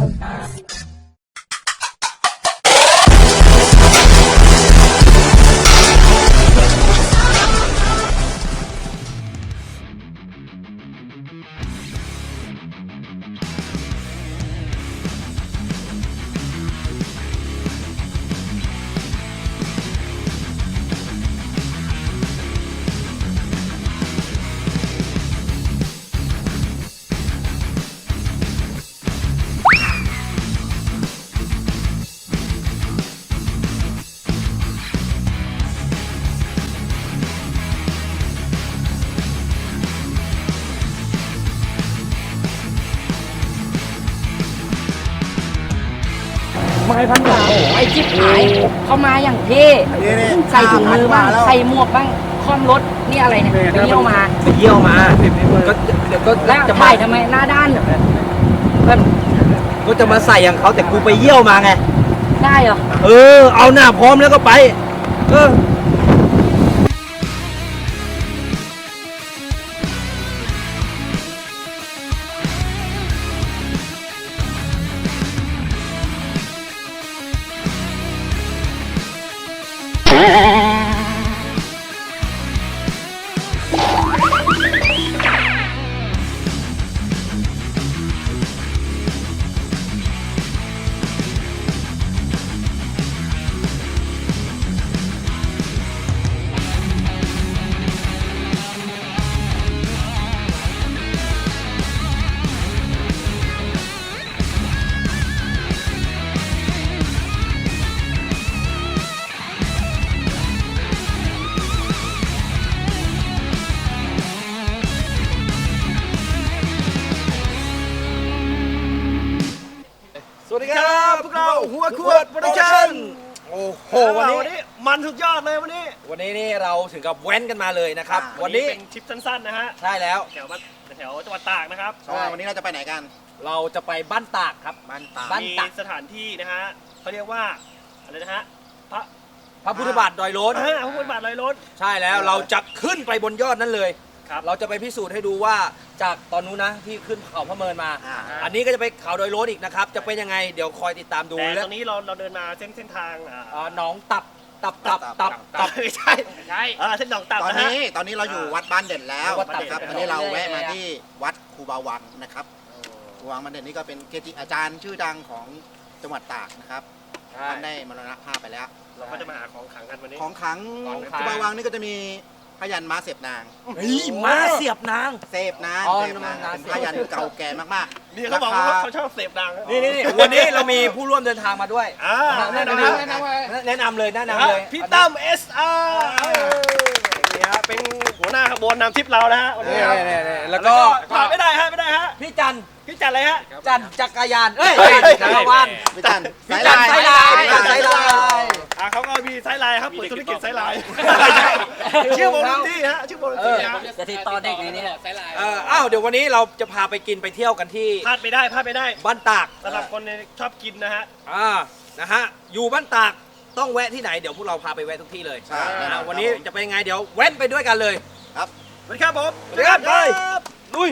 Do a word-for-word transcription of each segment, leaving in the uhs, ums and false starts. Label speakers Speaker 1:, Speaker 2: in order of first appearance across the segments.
Speaker 1: ไม้พันหนึ่งโอ้ไอ้จิ๊บหายเข้ามาอย่างเท่ใส่ถุงมือบ้างใส่หมวกบ้างคล่อมรถนี่อะไรเนี่ยไปเยี่ยวมา
Speaker 2: ไปเยี่ยวมาก็เดี๋ยวก็
Speaker 1: แล้ว
Speaker 2: จะ
Speaker 1: ถ่ายทำไมหน้าด้านเพื่อน
Speaker 2: ก็จะมาใส่อย่างเขาแต่กูไปเยี่ยวมาไง
Speaker 1: ได้เหรอ
Speaker 2: เออเอาหน้าพร้อมแล้วก็ไปเออสวัสดีครับพวกเราหัวขวดโปรดักชั่นโอ้โหวันนี้
Speaker 3: มันสุดยอดเลยวันนี้
Speaker 2: วันนี้นี่เราถึงกับแว้นกันมาเลยนะครับ
Speaker 3: วันนี้เป็นทริปสั้นๆนะฮะ
Speaker 2: ใช่แล้ว
Speaker 3: แถวแถวจังหวัดตากนะครับ
Speaker 4: วันนี้เราจะไปไหนกัน
Speaker 2: เราจะไปบ้านตากครับ
Speaker 4: บ้านตาก
Speaker 3: มีสถานที่นะฮะเขาเรียกว่าอะไรนะฮะพระ
Speaker 2: พระพุทธบาทดอยโล้น
Speaker 3: พระพุทธบาทดอยโล้น
Speaker 2: ใช่แล้วเราจะขึ้นไปบนยอดนั้นเลย
Speaker 3: ครับ
Speaker 2: เราจะไปพิสูจน์ให้ดูว่าจากตอนนู้นนะที่ขึ้นเขาพระเมินมาอันนี้ก็จะไปเขาดอยโล้นอีกนะครับจะเป็นยังไงเดี๋ยวคอยติดตามดู
Speaker 3: แต่ตอนนี้เราเราเดินมาเส้นเส้นทาง
Speaker 2: หนองตับตับตับตับตับ
Speaker 3: ไม่ใช่ใช่เส้นหนองตับ
Speaker 4: ตอนนี้ตอนนี้เราอยู่วัดบ้านเด่นแล้วนะครับตอนนี้เราแวะมาที่วัดครูบาวังนะครับครูบาวังบ้านเด่นนี่ก็เป็นเกจิอาจารย์ชื่อดังของจังหวัดตากนะครับท่านได้มรณภาพไปแล้ว
Speaker 3: เราก็จะมาหาของขังกันวันนี้
Speaker 4: ของขังครูบาวังนี่ก็จะมีพยัญม้าเสียบนาง
Speaker 2: เฮ้ยม้าเสียบนาง
Speaker 4: เสียบนางเสียบนางเป็นพยัญเก่าแก่มาก
Speaker 3: ๆนี่เขาบอกว่าเขาชอบเสียบนาง
Speaker 2: นี่นี่วันนี้เรามีผู้ร่วมเดินทางมาด้วย
Speaker 3: แนะน
Speaker 2: ำแนะนำเลยแนะนำเลย
Speaker 3: พี่ตั้ม เอส อาร์ นี่ฮะเป็นหัวหน้าขบวนนำทริปเรานะฮะวันนี้
Speaker 2: แล้วก็
Speaker 3: ขาดไม่ได้ฮะไม่ได้ฮะ
Speaker 2: พี่จัน
Speaker 3: พี่จันอะไรฮะ
Speaker 2: จันจักรยานเอ้ยจักรวาล
Speaker 4: พี่จัน
Speaker 2: พี่จันไซไลน์พี่จันไซไลน์
Speaker 3: อ่าเขาก็มีไซไลน์ครับเปิดธุรกิจไซไลน์ชื่อวงดนตรีฮะชื่อวงดนตรีฮะ
Speaker 1: จะติดต่อเด็กในนี้ไซไลน์
Speaker 2: เอออ้าวเดี๋ยววันนี้เราจะพาไปกินไปเที่ยวกันที่
Speaker 3: พลาดไม่ได้พลาดไม่ได้
Speaker 2: บ้านตาก
Speaker 3: สำหรับคนชอบกินนะฮะ
Speaker 2: อ่านะฮะอยู่บ้านตากต้องแวะที่ไหนเดี๋ยวพวกเราพาไปแวะทุกที่เลยวันนี้จะเป็นยังไงเดี๋ยวแว้นไปด้วยกันเลย
Speaker 4: ครับ
Speaker 3: สวัสดีครับผม
Speaker 2: สวัสดีครับไปลุย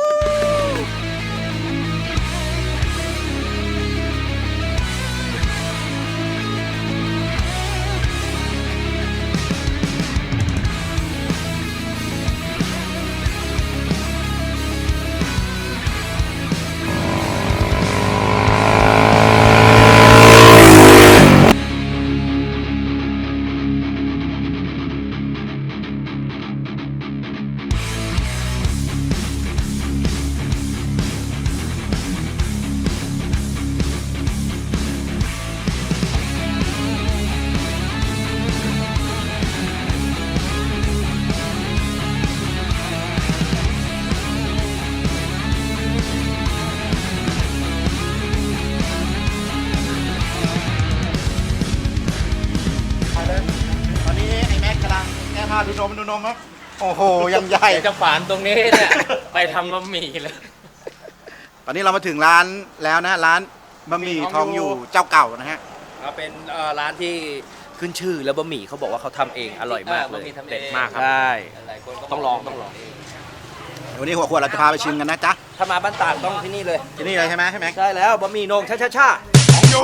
Speaker 4: ดูนมดูนมครับโอ้โหยังใหญ่
Speaker 1: จะฝานตรงนี้เนี่ยไปทำบะหมี่เลย
Speaker 4: ตอนนี้เรามาถึงร้านแล้วนะร้านบะหมี่ทองอยู่เจ้าเก่านะฮะ
Speaker 2: เป็นร้านที่ขึ้นชื่อแล้วบะหมี่เขาบอกว่าเขาทำเองอร่อยมากเลยเด็ดมากครับ
Speaker 1: ใช่
Speaker 2: ต้องลองต้องลอง
Speaker 4: วันนี้หัวขวดเราจะพาไปชิมกันนะจ๊ะ
Speaker 2: ถ้ามาบ้านตากต้องที่นี่เลย
Speaker 4: ที่นี่เลยใช่ไหมใช่ไหม
Speaker 2: ใช่แล้วบะหมี่โหนงช่าช่าช่า
Speaker 4: ของอยู่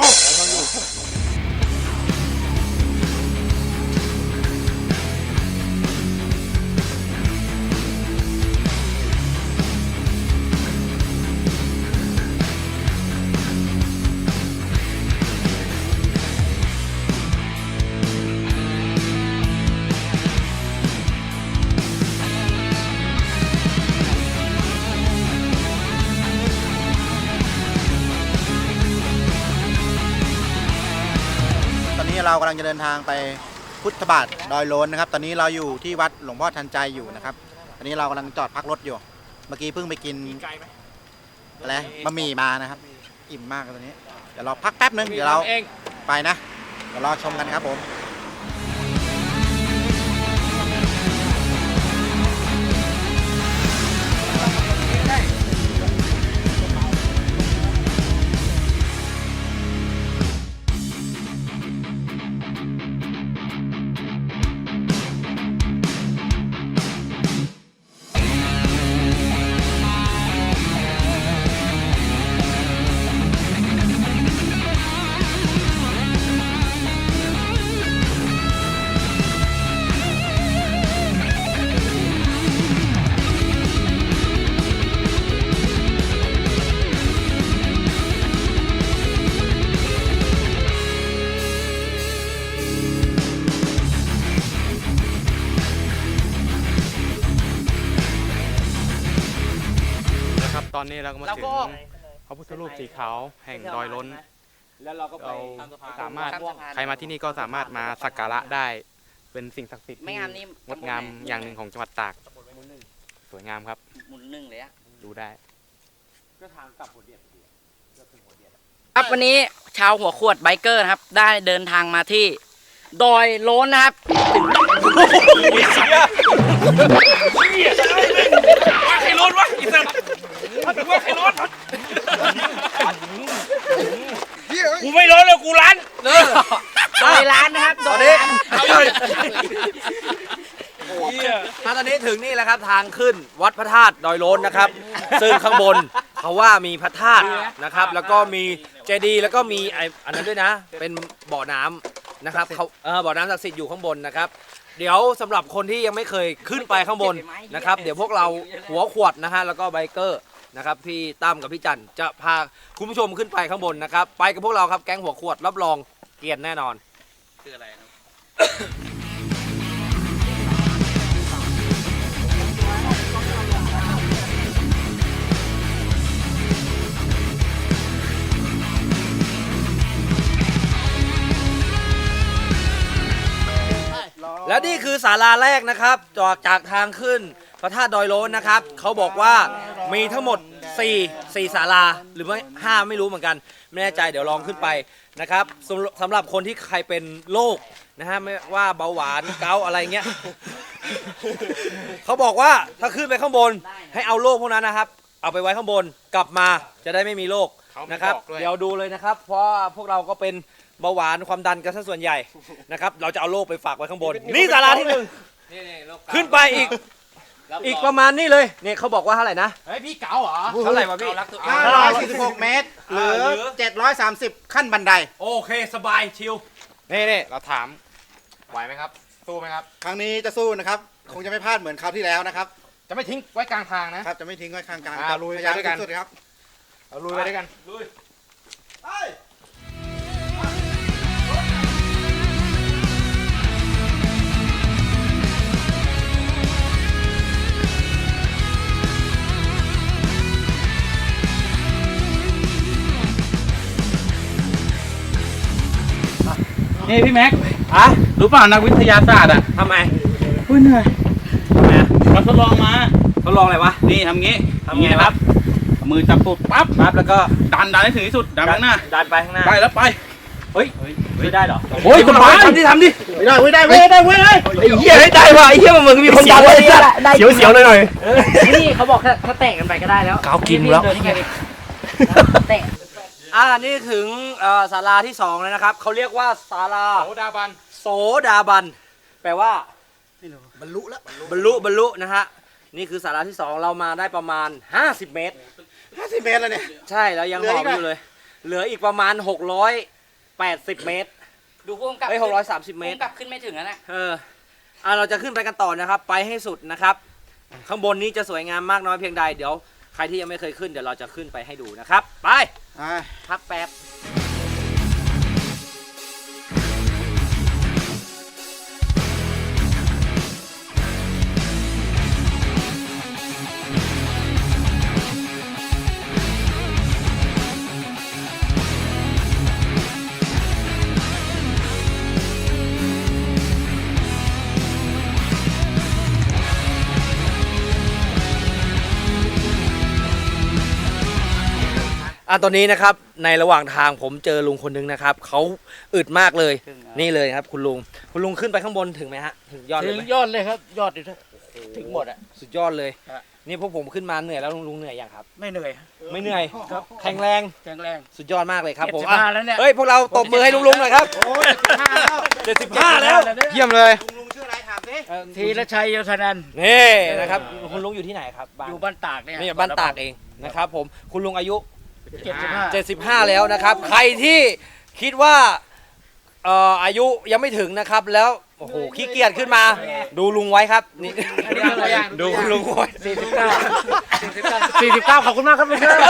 Speaker 4: ตอนนี้เรากำลังจะเดินทางไปพุทธบาทดอยโลนนะครับ ตอนนี้เราอยู่ที่วัดหลวงพ่อทันใจอยู่นะครับ ตอนนี้เรากำลังจอดพักรถอยู่ เมื่อกี้เพิ่งไปกินอะไรบะหมี่มานะครับ อิ่มมากเลยตอนนี้ เดี๋ยวเราพักแป๊บนึง เดี๋ยวเราไปนะ เดี๋ยวรอชมกันครับผม
Speaker 5: ครับตอนนี้เราก็มา
Speaker 1: เรา
Speaker 5: ถึ
Speaker 1: ก็
Speaker 5: ง
Speaker 1: ออก
Speaker 5: พระพุทธรูปสีขาวแห่งดอยล้น
Speaker 2: แล้วเราก็ไป
Speaker 5: เรา
Speaker 2: ข้ามสะพาน
Speaker 5: สามารถ
Speaker 1: ข้ามสะพาน
Speaker 5: ใครมาที่นี่ก็สามารถมาสักการะได้ เป็นสิ่งศักดิ์สิทธิ์
Speaker 1: ไม่
Speaker 5: ที่
Speaker 1: งามนี่
Speaker 5: งดงามอย่างหนึ่งของจังหวัดตากสวยงามครับ
Speaker 1: หมุนหนึ่งเลยอะ
Speaker 5: ดูได้
Speaker 2: ก็ทางกลับหัวเดียดก็ถึงหัวเดียด
Speaker 1: ครับวันนี้ชาวหัวขวดไบเกอร์นะครับ ได้เดินทางมาที่ดอยโล้นนะครับถึง
Speaker 3: ว่าใครร้อนวะอีสัตว์ว่าใครร้อนกูไม่ร้อนเลยกูร้าน
Speaker 1: ดอยร้านนะครับ
Speaker 2: ต
Speaker 1: ด
Speaker 2: อ
Speaker 1: อน ย
Speaker 2: นี้
Speaker 1: ร้าน
Speaker 2: ถ้าตอนนี้ถึงนี่แล้วครับทางขึ้นวัดพระธาตุดอยโล้นนะครับ ซึ่งข้างบนเขาว่ามีพระธาตุนะครับ แล้วก็มีเจดีย์แล้วก็มีไออันนั้นด้วยนะ เป็นบ่อน้ำนะครับเขาเออบ่อน้ำศักดิ์สิทธิ์อยู่ข้างบนนะครับ เดี๋ยวสำหรับคนที่ยังไม่เคยขึ้นไปข้างบนนะครับ เดี๋ยวพวกเราหัวขวดนะฮะแล้วก็ไบเกอร์นะครับพี่ตั้มกับพี่จันจะพาคุณผู้ชมขึ้นไปข้างบนนะครับ ไปกับพวกเราครับแก๊งหัวขวดรับรองเกรียนแน่นอน
Speaker 3: คืออะไรครับ
Speaker 2: และนี่คือศาลาแรกนะครับจากจากทางขึ้นพระธาตุดอยโล้นนะครับเขาบอกว่ามีทั้งหมด4 4ศาลาหรือไม่ห้าไม่รู้เหมือนกันไม่แน่ใจเดี๋ยวลองขึ้นไปนะครับสำสำหรับคนที่ใครเป็นโรคนะฮะไม่ว่าเบาหวานเกาต์อะไรเงี้ย เขาบอกว่าถ้าขึ้นไปข้างบนให้เอาโรคพวกนั้นนะครับ เอาไปไว้ข้างบนกลับมาจะได้ไม่มีโรคนะครับ เดี๋ยวดูเลยนะครับ เพราะพวกเราก็เป็นเบาหวานความดันกันซะส่วนใหญ่นะครับ เราจะเอาโรคไปฝากไว้ข้างบน นี่ศาลาที่หนึ่งขึ้นไปอีกอีกประมาณนี้เลยเนี่ยเขาบอกว่าเท่าไหร่นะ
Speaker 3: เฮ้ยพี่เก๋าเหรอ
Speaker 2: เท่าไหร่วะพี่
Speaker 4: ห้าร้อยสี่สิบหกเมตร หรือ
Speaker 2: หรือ
Speaker 4: เจ็ดร้อยสามสิบขั้นบันได
Speaker 2: โอเคสบายชิล
Speaker 5: นี่นี่เราถามไหวไหมครับ สู้ไหมครับ
Speaker 4: ครั้งนี้จะสู้นะครับ คงจะไม่พลาดเหมือนคราวที่แล้วนะครับ
Speaker 5: จะไม่ทิ้งไว้กลางทางนะ
Speaker 4: ครับ จะไม่ทิ้งไว้ข้างกลาง
Speaker 5: อ่า
Speaker 4: จะ
Speaker 5: ลุย
Speaker 4: พยายาม
Speaker 5: ไปด้วยกัน
Speaker 4: สุดๆครับ
Speaker 5: เราลุยไปด้วยกัน
Speaker 3: นี่พี่แม็ก
Speaker 2: อะ
Speaker 3: รู้เปล่านักวิทยาศาสตร์อ่ะ
Speaker 2: ทำไม
Speaker 3: อุ้ยเหนื่อย
Speaker 2: ทำไมอะ
Speaker 3: มาทดลองมา
Speaker 2: ทดลองอะไรวะ
Speaker 3: นี่ทำงี้
Speaker 2: ทำไง
Speaker 3: นี่นะครับเอามือจับตูดปั๊บ
Speaker 2: ปั๊บแล้วก็
Speaker 3: ดันดันให้ถึงที่สุดดันไปข้างหน้า
Speaker 2: ดันไปข้างหน้า
Speaker 3: ไปแล้วไป
Speaker 2: เฮ้ยไม่ได้เหรอ
Speaker 3: โอ้ยคุณพาย
Speaker 2: ทำดิทำดิ
Speaker 4: ไม่ได้ไม่ได้ไม่ได้ไม่ได้
Speaker 2: ไอ้เหี้ยได้ว่ะไอ้เหี้ยมึงมีคนดันเลยเนี่ย
Speaker 1: เสียว
Speaker 2: เสียวๆหน่อย
Speaker 1: นี่เขาบอกถ้าถ้าแตกกันไปก็ได้แล้ว
Speaker 2: เกากินแล้ว
Speaker 1: เดินยังไงดิแตก
Speaker 2: ๆอ่านี่ถึงเอ่อศาลาที่สองแล้วนะครับเขาเรียกว่าศาลา
Speaker 5: โสดาบัน
Speaker 2: โสดาบัน แปลว่า
Speaker 4: บรรลุแล้ว
Speaker 2: บรรลุบรรลุนะฮะนี่คือศาลาที่สองเรามาได้ประมาณห้าสิบเมตร
Speaker 4: ห้าสิบเมตรแล้วเนี่ย
Speaker 2: ใช่แล้วยัง
Speaker 4: เหลื
Speaker 2: ห
Speaker 4: อ
Speaker 2: อ
Speaker 4: อี
Speaker 2: บ
Speaker 4: ก
Speaker 2: อ
Speaker 4: อะ
Speaker 2: ยู่เลย เหลืออีกประมาณหกร้อยแปดสิบเมตร
Speaker 1: ดูพุ่งกลับ
Speaker 2: เฮ้ยหกร้อยสามสิบเมตร
Speaker 1: พุ่งกลับขึ้นไม่ถึงแล้วนะ
Speaker 2: เอออ่ะเราจะขึ้นไปกันต่อนะครับ ไปให้สุดนะครับ ข้างบนนี้จะสวยงามมากน้อยเพียงใด เดี๋ยวใครที่ยังไม่เคยขึ้นเดี๋ยวเราจะขึ้นไปให้ดูนะครับ ไป
Speaker 4: อ่า
Speaker 2: พักแป๊บ อ่ะตอนนี้นะครับในระหว่างทางผมเจอลุงคนนึงนะครับเขาอึดมากเลย นี่เลยครับคุณลุงคุณลุงขึ้นไปข้างบนถึงไหมฮะถึงยอดเล
Speaker 6: ถึ
Speaker 2: ย
Speaker 6: ง
Speaker 2: ไหม
Speaker 6: ยอดเลยครับ ยอดเลยถึงหมดอ่ะ
Speaker 2: สุดยอดเลย
Speaker 6: ฮะ
Speaker 2: นี่พวกผมขึ้นมาเหนื่อยแล้วลุงลุงเหนื่อยยังครับ
Speaker 6: ไม่เหนื่อย
Speaker 2: ไม่เหนื่อย
Speaker 6: ครับ
Speaker 2: แข็งแรง
Speaker 6: แข็งแรง
Speaker 2: สุดยอดมากเลยครับผม
Speaker 6: เจ็ดสิบห้า
Speaker 2: อ่ะ
Speaker 6: แล้วเนี่ย
Speaker 2: เฮ้ยพวกเราตบมือให้ลุงลุงหน่อยครับ
Speaker 4: โอ้ยห้าแล้ว
Speaker 2: เจ็ดสิบห้าแล้วเยี่ยมเลย
Speaker 4: ลุงลุงชื่ออะไรถามสิ
Speaker 2: เอ่อ
Speaker 6: ธีรชัยโยธนันท์
Speaker 2: นี่นะครับคุณลุงอยู่ที่ไหนครับบ้าน
Speaker 6: อยู่บ้านตากเนี่ย
Speaker 2: นี่บ้านตากเองนะครับผมคุณลุงอายุ
Speaker 6: เจ็ดสิบห้า
Speaker 2: เจ็ดสิบห้าแล้วนะครับ ใครที่คิดว่าเอ่ออายุยังไม่ถึงนะครับแล้วโอ้โหขี้เกียจขึ้นมา ดูลุงไว้ครับนี่ดูลุงไว้
Speaker 6: สี่สิบเก้าสี่สิบเก้าขอบคุณมากครับลุงครับ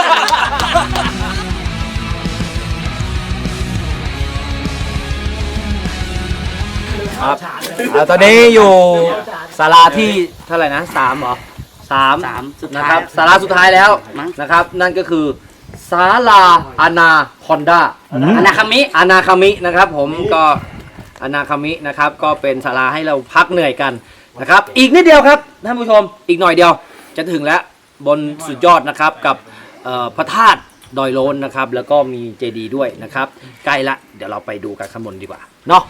Speaker 2: ครับอ่าตอนนี้อยู่ศาลาที่เท่าไหร่นะสามเหรอสาม
Speaker 1: สามสุดท้าย
Speaker 2: นะครับศาลาสุดท้ายแล้ว
Speaker 1: มั้ง
Speaker 2: นะครับ นั่นก็คือศาลาอนาคอนดา
Speaker 1: อนาคามิ
Speaker 2: อนาคามินะครับผมก็อนาคามินะครับก็เป็นศาลาให้เราพักเหนื่อยกันนะครับ อีกนิดเดียวครับท่านผู้ชมอีกหน่อยเดียวจะถึงแล้วบนสุดยอดนะครับกับเอ่อพระธาตุดอยโลนนะครับ แล้วก็มีเจดีย์ด้วยนะครับ ใกล้ละเดี๋ยวเราไปดูกันข้างบนดีกว่าเนาะ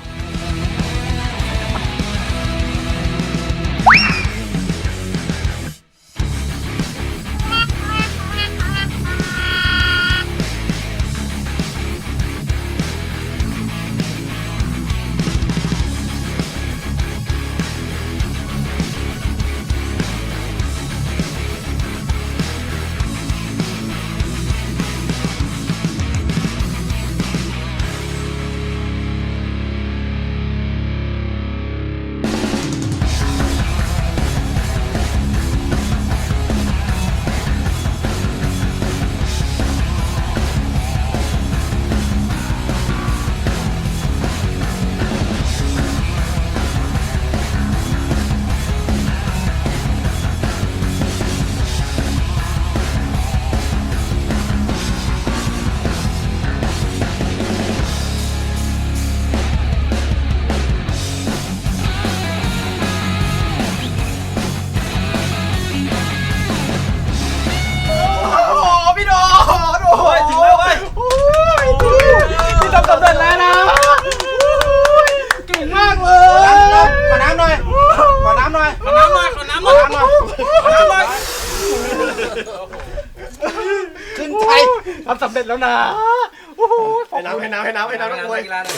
Speaker 4: ขอน้ำหน่อย ขอน้ำหน่อย ขอน้ำหน่อย ขอน้ำหน่อย ขอน้ำหน่อย ขอน้ำหน่อย ขึ้นใจ
Speaker 6: ทำสำเร็จแล้วนะโอ้โห
Speaker 3: ให้น้ำให้น้ำให้น้ำให้น้ำนักมวย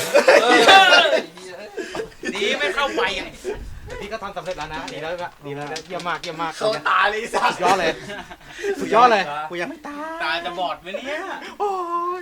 Speaker 2: ดีไม่เข้าไปอ่ะ
Speaker 6: พี่ก็ทำสำเร็จแล้วนะดีแล้วก็ดีแล้วเยี่ยมมากเยี่ยมมาก
Speaker 3: เข้าตาเลยสัส
Speaker 6: สุดยอดเลยสุดยอดเลย
Speaker 4: กูยังไม่ตาย
Speaker 3: ตาจะบอดไหมเนี่ย
Speaker 6: โอ้ย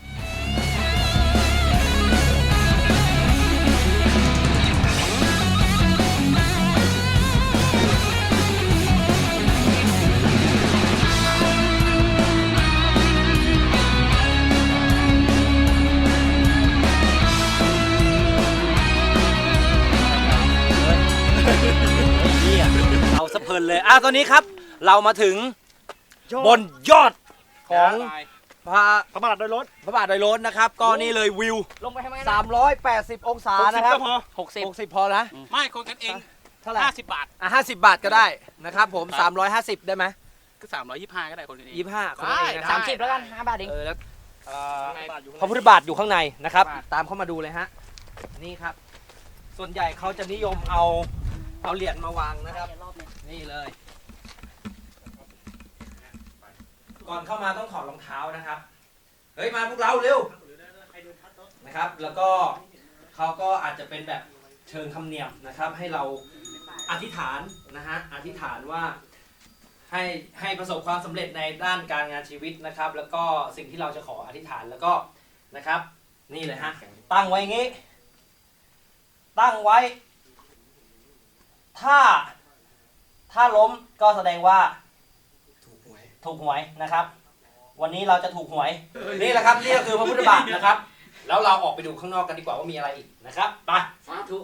Speaker 2: เอาสะเพลินเลยอ่ะตอนนี้ครับ เรามาถึงบนยอดของพระ
Speaker 3: พระบาทโดยรถ
Speaker 2: พระบาทดอยโลนนะครับ ก็นี่เลยวิว
Speaker 1: ลงไปทำไมนะ
Speaker 2: สามร้อยแปดสิบองศานะครับ
Speaker 3: ก็พอ
Speaker 1: หกสิบ
Speaker 2: หกสิบพอนะ
Speaker 5: ไม่คนกันเอง
Speaker 2: เท่าไหร่
Speaker 5: ห้าสิบบาท
Speaker 2: อ่ะห้าสิบบาทก็ได้นะครับผมสามร้อยห้าสิบได้ไหม
Speaker 5: ก็สามร้อยยี่สิบห้าก็ได้คนกันเอง
Speaker 2: ยี่สิบห้าคนละเองนะค
Speaker 1: สา
Speaker 2: รับ
Speaker 1: มสิบแล้วกันห้าบาทเอง
Speaker 2: เออแล้วเอ่อพระพุทธบาทอยู่ข้างในนะครับ ตามเข้ามาดูเลยฮะนี่ครับ ส่วนใหญ่เขาจะนิยมเอาเอาเหรียญมาวางนะครับ นี่เลย ก่อนเข้ามาต้องถอดรองเท้านะครับ เฮ้ยมาพวกเราเร็วนะครับ แล้วก็เขาก็อาจจะเป็นแบบเชิงคำเนียมนะครับ ให้เราอธิษฐานนะฮะอธิษฐานว่าให้ให้ประสบความสำเร็จในด้านการงานชีวิตนะครับ แล้วก็สิ่งที่เราจะขออธิษฐานแล้วก็นะครับ นี่เลยฮะตั้งไว้งี้ ตั้งไว้ ถ้าถ้าล้มก็แสดงว่าถูกหวยถูกหวยนะครับ วันนี้เราจะถูกหวย นี่แหละครับนี่ก็คือพระพุทธบาทนะครับ แล้วเราออกไปดูข้างนอกกันดีกว่าว่ามีอะไรอีกนะครับไปสาธุ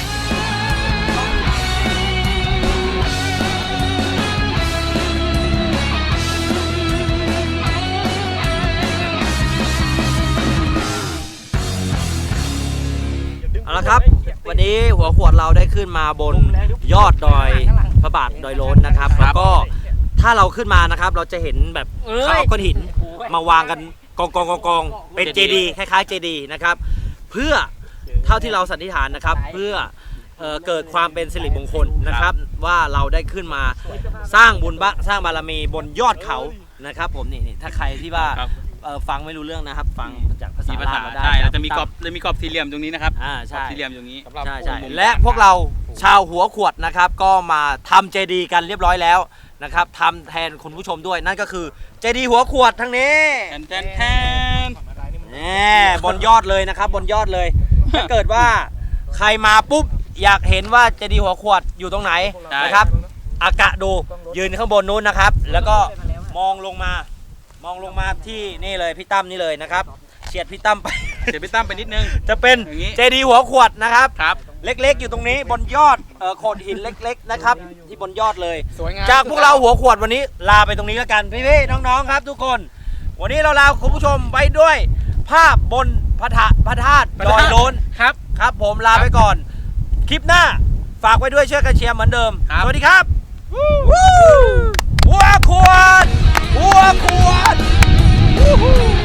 Speaker 2: เอาละครับ วันนี้หัวขวดเราได้ขึ้นมาบนยอดดอยพระบาทดอยโล้นนะครับแล้วก็ถ้าเราขึ้นมานะครับ เราจะเห็นแบบเขาเอาก้อนหินมาวางกันกองกองกองกองเป็นเจดีย์คล้ายๆเจดีย์นะครับ เพื่อเท่าที่เราสันนิษฐานนะครับ เพื่อเอ่อเกิดความเป็นสิริมงคลนะครับ ว่าเราได้ขึ้นมาสร้างบุญบะสร้างบารมีบนยอดเขานะครับ ผมนี่นี่ถ้าใครที่ว่าเอ่อฟังไม่รู้เรื่องนะครับ ฟังจากภาษา
Speaker 7: มีภา
Speaker 2: ลา
Speaker 7: ษาว
Speaker 2: มาได้
Speaker 7: ใช่เราจะมีกรอบเรามีกรอบสี่เหลี่ยมตรงนี้นะครับ
Speaker 2: อ่าก
Speaker 7: รอ
Speaker 2: ใช่
Speaker 7: บสี่เหลี่ยมตรงนี้
Speaker 2: ใช่ใช่และพวกเราชาวหัวขวดนะครับ ก็มาทำเจดีย์กันเรียบร้อยแล้วนะครับทำแทนคุณผู้ชมด้วยนั่นก็คือเจดีย์หัวขวดทั้งนี้
Speaker 7: แทนแทนแทน
Speaker 2: แหมบนยอดเลยนะครับ บนยอดเลย ถ้าเกิดว่าใครมาปุ๊บอยากเห็นว่าเจดีย์หัวขวดอยู่ตรงไหนนะครับอากะดูยืนข้างบนนู้นนะครับ แล้วก็มองลงมามองลงมาที่นี่เลยพี่ตั้มนี่เลยนะครับเฉียดพี่ตั้มไป
Speaker 7: เดี๋ยวพี่ตั้มไปนิดนึง
Speaker 2: จะเป็น
Speaker 7: อย่างนี้
Speaker 2: เจดีย์หัวขวดนะครับ
Speaker 7: ครับ
Speaker 2: เล็กๆอยู่ตรงนี้บนยอดเอ่อโขดหินเล็ก ๆนะครับ ที่บนยอดเลย
Speaker 7: สวยงาม
Speaker 2: จากพวกเราหัวขวดวันนี้ลาไปตรงนี้แล้วกันพี่ๆน้องๆครับ ทุกคน วันนี้เราลาคุณผู้ชมไปด้วย ภาพบนพระธาตุพระธาตุดอยโล้น
Speaker 7: ครับ
Speaker 2: ครับ ผมลาไปก่อน คลิปหน้าฝากไว้ด้วยช่วยกันเชียร์เหมือนเดิม
Speaker 7: ครับ
Speaker 2: สวัสดีครับวู้หัวขวดหัวขวดวู้ฮู้